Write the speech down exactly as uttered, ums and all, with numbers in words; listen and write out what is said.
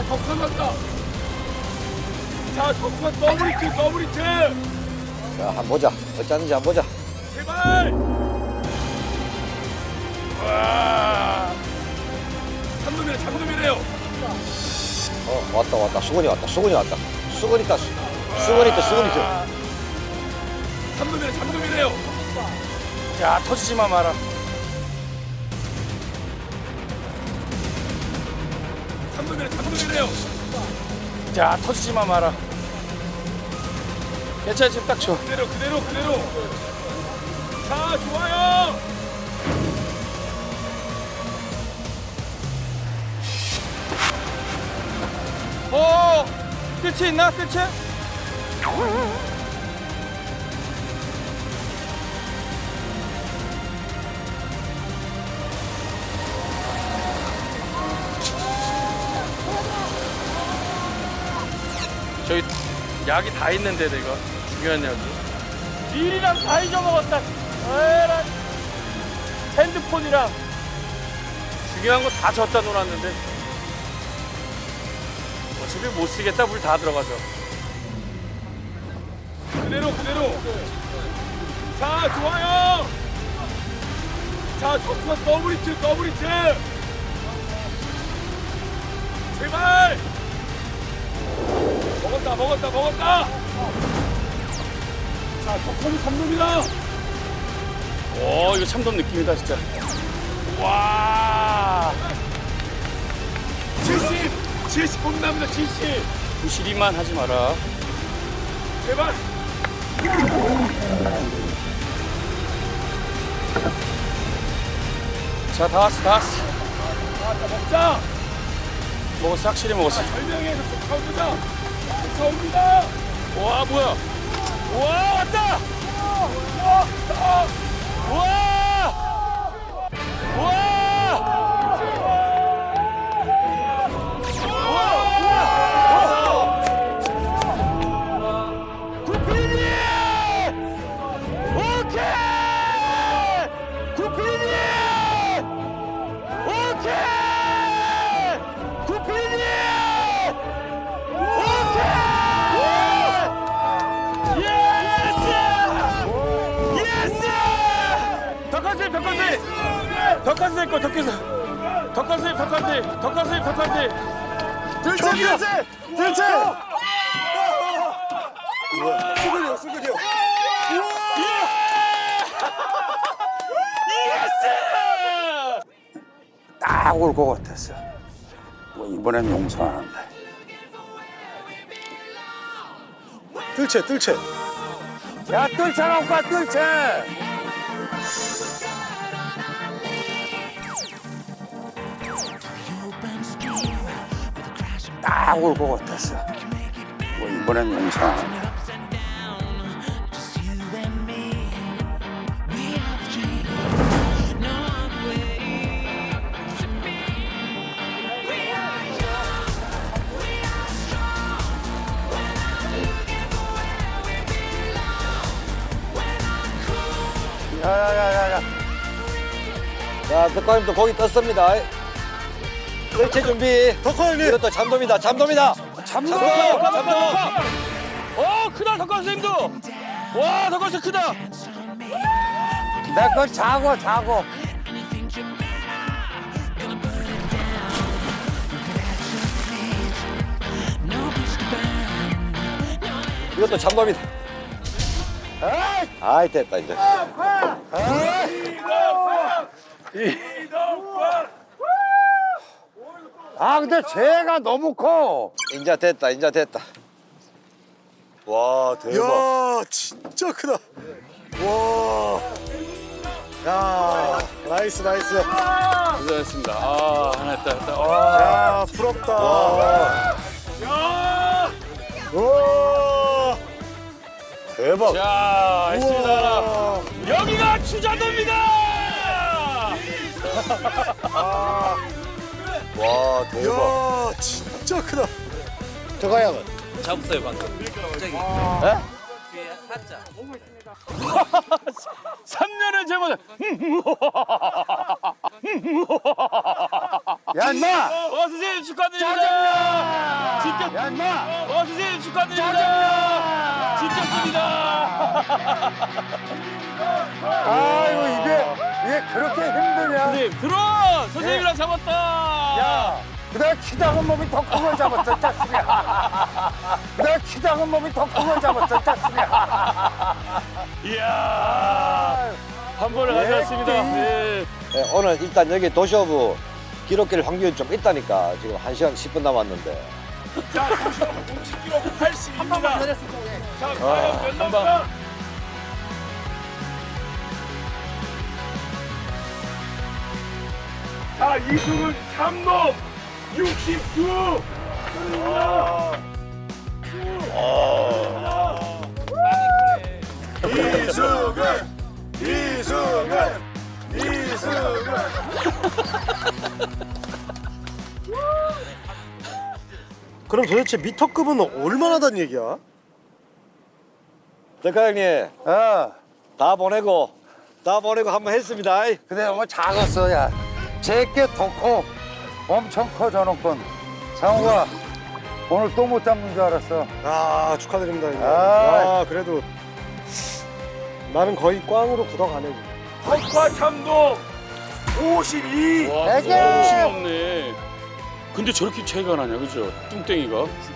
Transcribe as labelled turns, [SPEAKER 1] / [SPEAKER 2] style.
[SPEAKER 1] 덕선 간다. 자, 덕선 더블 히트, 더블 히트.
[SPEAKER 2] 자, 한번 보자. 어찌 하는지 한번 보자.
[SPEAKER 1] 제발. 와. 참놈이네, 참놈이네요.
[SPEAKER 2] 어, 왔다, 왔다. 수건이 왔다, 수건이 왔다. 수건이 있다, 수- 수건이 있다, 수건이 있다.
[SPEAKER 1] 참놈이네, 참놈이네요.
[SPEAKER 3] 야, 터지지만 마라.
[SPEAKER 1] 참놈이네, 참놈이네요.
[SPEAKER 3] 자, 터지지만 마라. 괜찮아, 지금 딱 좋아.
[SPEAKER 1] 그대로, 그대로, 그대로. 자, 좋아요.
[SPEAKER 3] 어, 끝이 있나? 끝이? 저희 약이 다 있는데 내가 중요한 약이. 밀이랑 다 잊어먹었다. 에라. 핸드폰이랑 중요한 거 다 졌다 놀았는데. 어차피 못 쓰겠다. 물 다 들어가서.
[SPEAKER 1] 그대로, 그대로. 자, 좋아요. 자, 덕선 더블 히트, 더블 히트. 제발. 먹었다, 먹었다, 먹었다. 자, 덕선이 삼놈이다.
[SPEAKER 3] 오, 이거 참돔 느낌이다 진짜. 와.
[SPEAKER 1] 칠십, 칠십 뽕납니다, 칠십.
[SPEAKER 3] 부실이만 하지 마라.
[SPEAKER 1] 제발.
[SPEAKER 3] 자, 다 왔어, 다 왔어.
[SPEAKER 1] 자, 먹자.
[SPEAKER 3] 먹었어, 확실히 먹었어.
[SPEAKER 1] 설명해서 쫓아옵니다. 쫓아옵니다.
[SPEAKER 3] 와, 뭐야? 와, 왔다!
[SPEAKER 1] 와,
[SPEAKER 3] 와! 와! 구피디! 오케이! 구피디! 오케이! 구피디! 덕가스입, 덕가스입! 덕가스입 거, 덕가스입! 덕가스입, 덕가스입! 덕가스입, 덕가스입! 들채, 들채! 들채!
[SPEAKER 2] 수건이요, 수건이요.
[SPEAKER 3] 예스!
[SPEAKER 4] 딱 올 것 같았어. 뭐 이번엔 용서 안 한다.
[SPEAKER 2] 뜰채, 뜰채.
[SPEAKER 4] 야, 뜰채 올까, 뜰채! 딱 올 것 같았어. 뭐 이번엔 용서 안 한다.
[SPEAKER 2] 야야야야야. 자, 덕화님도 고기 떴습니다. 뜰채 준비. 덕화님. 이것도 잠돔이다, 잠돔이다.
[SPEAKER 3] 잠돔!
[SPEAKER 2] 잠돔!
[SPEAKER 3] 잠돔! 어, 크다, 덕가스님도! 와, 덕가스 크다!
[SPEAKER 4] 내 거 자고, 자고.
[SPEAKER 2] 이것도 잠돔이다. 아이, 됐다, 이제.
[SPEAKER 4] 아, 근데 쟤가 너무 커.
[SPEAKER 2] 인자 됐다, 인자 됐다. 와, 대박.
[SPEAKER 5] 야 진짜 크다. 와. 야 나이스 나이스.
[SPEAKER 3] 고생했습니다. 아, 하나 했다, 했다. 와.
[SPEAKER 5] 야 부럽다.
[SPEAKER 1] 야.
[SPEAKER 5] 와. 대박.
[SPEAKER 3] 자, 했습니다.
[SPEAKER 5] 우와.
[SPEAKER 3] 여기가 추자도입니다!
[SPEAKER 5] 와 대박. 야 진짜 크다.
[SPEAKER 2] 저거 형은?
[SPEAKER 6] 잡았어요 방금.
[SPEAKER 3] 삼 년을 제보다
[SPEAKER 4] 야 인마!
[SPEAKER 1] 어 선생님 축하드립니다. 진짜
[SPEAKER 4] 야 인마!
[SPEAKER 1] 어 선생님 축하드립니다. 진짜입니다.
[SPEAKER 4] 아이고 이게 이게 그렇게 힘드냐?
[SPEAKER 1] 선생님 들어 선생님이랑 잡았다.
[SPEAKER 4] 야, 그다가 키 작은 몸이 더 큰 걸 잡았어, 짜식이야. 그다가 키 작은 몸이 더 큰 걸 잡았어, 짜식이야.
[SPEAKER 1] 이야 한 번에
[SPEAKER 4] 네,
[SPEAKER 1] 가져왔습니다.
[SPEAKER 4] 네.
[SPEAKER 1] 네.
[SPEAKER 2] 네, 오늘 일단 여기 도시오브 기록길 확률이 좀 있다니까 지금 한 시간 십 분 남았는데
[SPEAKER 1] 자 오십 킬로그램 팔십입니다. 자 과연 몇 넘까? 자 이승은 삼 넘 육십구.
[SPEAKER 5] 이승은 이승은 이승은 그럼 도대체 미터급은 얼마나 단 얘기야?
[SPEAKER 2] 백화 형님
[SPEAKER 4] 어,
[SPEAKER 2] 다 보내고 다 보내고 한번 했습니다.
[SPEAKER 4] 근데 너무 작았어, 야. 제게 더 커. 엄청 커, 저놈 건. 상우가 오늘 또 못 잡는 줄 알았어.
[SPEAKER 5] 아 축하드립니다. 이거.
[SPEAKER 4] 아.
[SPEAKER 5] 아 그래도 나는 거의 꽝으로 굳어가네.
[SPEAKER 1] 덕화 참돔 오십이.
[SPEAKER 3] 와,
[SPEAKER 4] 되게!
[SPEAKER 3] 너무 심없네. 근데 저렇게 차이가 나냐, 그죠? 뚱땡이가.